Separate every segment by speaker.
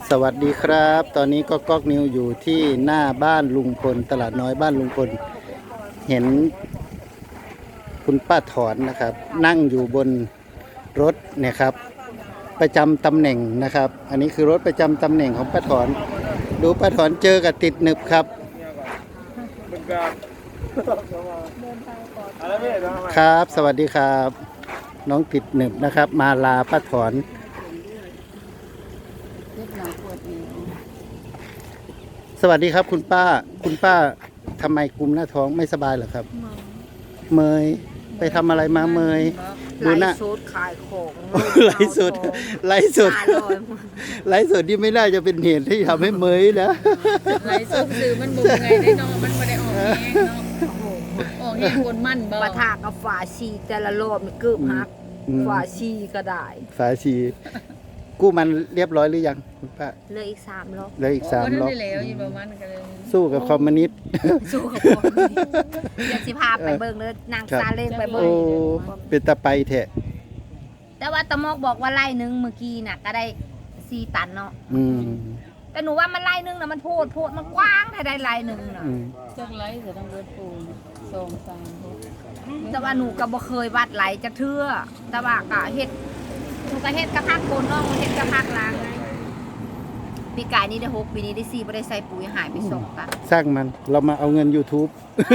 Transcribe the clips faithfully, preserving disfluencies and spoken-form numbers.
Speaker 1: สวัสดีครับ ตอนนี้ก็ก๊อกนิวอยู่ที่หน้าบ้านลุงพลตลาดน้อยบ้านลุงพลเห็นคุณป้าถอนนะครับ นั่งอยู่บนรถเนี่ยครับประจำตำแหน่งนะครับ อันนี้คือรถประจำตำแหน่งของป้าถอนดูป้าถอนเจอกับติดหนึบครับครับสวัสดีครับ น้องติดหนึบนะครับ มาลาป้าถอนสวัสดีครับคุณป้าคุณป้าทำไมกุมหน้าท้องไม่สบายเหรอครับเมยไปทำอะไรมาเมยดูหน้า
Speaker 2: ไลฟ์สดขายของ
Speaker 1: ไลฟ์สดไลฟ์สดไลฟ์สดที่ไม่น่าจะเป็นเหตุที่ทำให้เมยนะ
Speaker 2: ไลฟ์สดซื้อมันบุกไงได้นอนมันไม่ได้ออกแห้งเนาะออกแห้งคนมั่นบ่ปะทะกับฝาชีแต่ละรอบนี่เกือบหักฝาชีก็ได้
Speaker 1: ฝาชีกู้มันเรียบร้อยหรือยังคุณป้า
Speaker 2: เหลืออีกสามรอบ
Speaker 1: เหลืออีกสามรอบ
Speaker 3: แล้วอยู่ประมาณกันเลย
Speaker 1: สู้กับคอมมิวนิสต์
Speaker 2: สู้กับคนอยากสิพาไปเบิ่งเลยนางซาเล้งไปเบิ่
Speaker 1: โอ้
Speaker 2: ง
Speaker 1: เป็นตะไปแทะ
Speaker 2: แต่ว่าตะมอกบอกว่าไล่หนึงเมื่อกี้น่ะก็ได้สี่ตันเนาะ
Speaker 1: อืม
Speaker 2: แต่หนูว่ามันไล่หนึงน่ะมันโพดโพดมันกว้างถ้าได้ไล่หนึงน่ะ
Speaker 1: อืม
Speaker 3: จังไรจะต้องเบิดปูนสองสามหก
Speaker 2: แต่ว่าหนูก็บ่เคยวัดไหลจักเทื่อแต่ว่าก็เฮ็ดหนูก็เฮ็ดกระพักโคนน้องเฮ็ดกระพักล้างไงปีกายนี้ได้หกปีนี้ได้สี่บ่ได้ใส่ปุ๋ยหายไปสองตัน
Speaker 1: สร้างมันเรามาเอาเงิน YouTube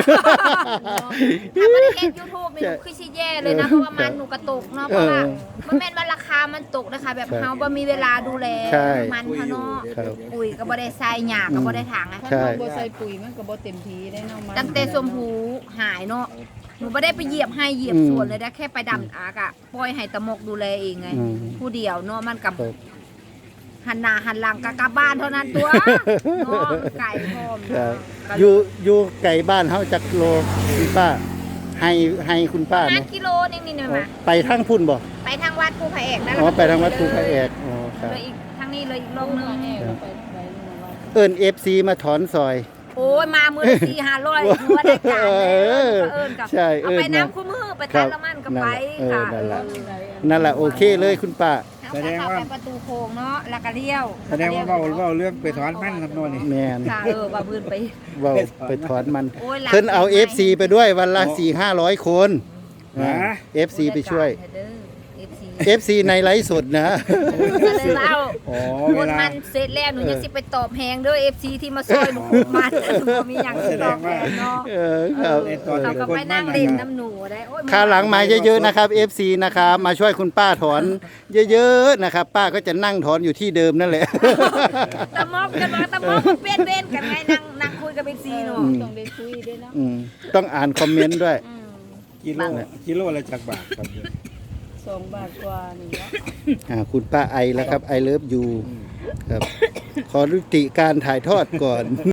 Speaker 2: ถ้าบ่ได้เฮ็ด YouTube นี่หนูคือสิแย่เลยนะเพราะว่ามันหนูก็ตกเนาะเพราะว่าบ่แม่นว่าราคามันตกนะคะแบบเฮาบ่มีเวลาดูแล
Speaker 1: ใช่
Speaker 2: มันเฮาเนาะ
Speaker 1: ครับ
Speaker 2: ปุ๋ยก็บ่ได้ใส่หญ้าก็บ่ได้ถางนะ
Speaker 3: ถ้า
Speaker 1: ใช่
Speaker 3: เราบ่ใส่ปุ๋ยมันก็บ่เต็มทีได้เนาะมัน
Speaker 2: ตั้งแต่ชมพูหายเนาะหนูบ่ได้ไปเหยียบให้เหยียบสวนเลยได้แค่ไปดำอากะปล่อยให้ตะมกดูแลเองไง
Speaker 1: อืม
Speaker 2: ผู้เดียวเนาะมันกับ
Speaker 1: ครับ
Speaker 2: หันหน้าหันหลังกะกลับบ้านเท่านั้นตัวเนาะไก่พร้อม
Speaker 1: ครับ
Speaker 2: ก็
Speaker 1: อยู่อยู่ไก่บ้านเฮาจักโลคุณป้า ให้ให้คุณป้า
Speaker 2: ห้า
Speaker 1: เนาะ
Speaker 2: กิโลนึงนี่นะ
Speaker 1: อ๋อ
Speaker 2: มา
Speaker 1: ไปทางพุ่นบ่
Speaker 2: ไปทางวัดภูพระเอกนั่นแห
Speaker 1: อ๋อ
Speaker 2: ละ
Speaker 1: ไปทางวัดภูพระเอกอ๋อครับ
Speaker 2: เลยอีกทางนี้เลยอีกลงนึง
Speaker 3: แห้งเราไปไปนี่นะว่า
Speaker 1: เอิ้น เอฟ ซี มาถอนซอย
Speaker 2: โอ้ยมามือละสี่ห้าร้อยหัวได้การเลย
Speaker 1: เออ
Speaker 2: เอิญกับ
Speaker 1: ใช่
Speaker 2: เอาไป
Speaker 1: เอิ้น
Speaker 2: น้ำ
Speaker 1: มา
Speaker 2: คู่มือไป
Speaker 1: ครั
Speaker 2: ตั
Speaker 1: บ
Speaker 2: ดละมันกับไป
Speaker 1: นั่นแหละ
Speaker 2: ค่ะ
Speaker 1: เออนั่นแหละ นั่นแหละโอเคเลยคุณป้า
Speaker 2: แสดงว่าประตูโค้งเนาะแล้วก็เลี้ยว
Speaker 4: แสดงว่าเว้าเว้าเรื่องไปถอนมันครับโน่นนี่
Speaker 1: แมน
Speaker 2: ค่ะเออว่าพื้นไป
Speaker 1: เว้าไปถอนมัน
Speaker 2: โอ้ยหลัง
Speaker 1: เพิ่นเอา เอฟ ซี ไปด้วยวันละสี่ห้าร้อยคน
Speaker 4: ฮะ
Speaker 1: เอฟ ซี ไปช่วย
Speaker 2: เอฟซี
Speaker 1: เอฟ ซี ในไลฟ์สดนะ
Speaker 2: ก็เลยว่าเอา
Speaker 4: อ๋อ
Speaker 2: ค
Speaker 4: เวน ลา
Speaker 2: มันเสร็จแล้วหนูยังสิไปตอบแพงเด้อเอฟซีที่มาซอยหนูขุดมันบ่มีหยังสิตอบแพงเนาะ
Speaker 1: เออครับ
Speaker 4: เออตอน
Speaker 2: เขา
Speaker 4: ที่
Speaker 2: ก็
Speaker 4: คน
Speaker 2: ไป
Speaker 4: มั
Speaker 2: นั่
Speaker 4: น
Speaker 2: ง
Speaker 4: นะ
Speaker 2: เล่น
Speaker 4: ครับ
Speaker 2: น้ำหนูได้โอ้ย
Speaker 1: คราวหลังมาเยอะๆนะครับ เอฟ ซี นะครับมาช่วยคุณป้าถอนเยอะๆนะครับ ป้าก็จะนั่งถอนอยู่ที่เดิมนั่นแหละ
Speaker 2: ตะมอกกันว่าตะมอกมันเป็นเว้นกันไงนั่งนั่งคุยกับเอฟซีหนู
Speaker 1: อืม
Speaker 3: ต้องได้คุยด้วยเนาะ
Speaker 1: อืมต้องอ่านคอมเมนต์ด้วย
Speaker 2: อืม
Speaker 4: กิโลกิโลละจักบาทครับ
Speaker 3: สองบาทกว่านี่เนาะ
Speaker 1: อ่าคุณป้าไอแล้วครับไอเลิฟยูครับ ขอรุติการถ่ายทอดก่อน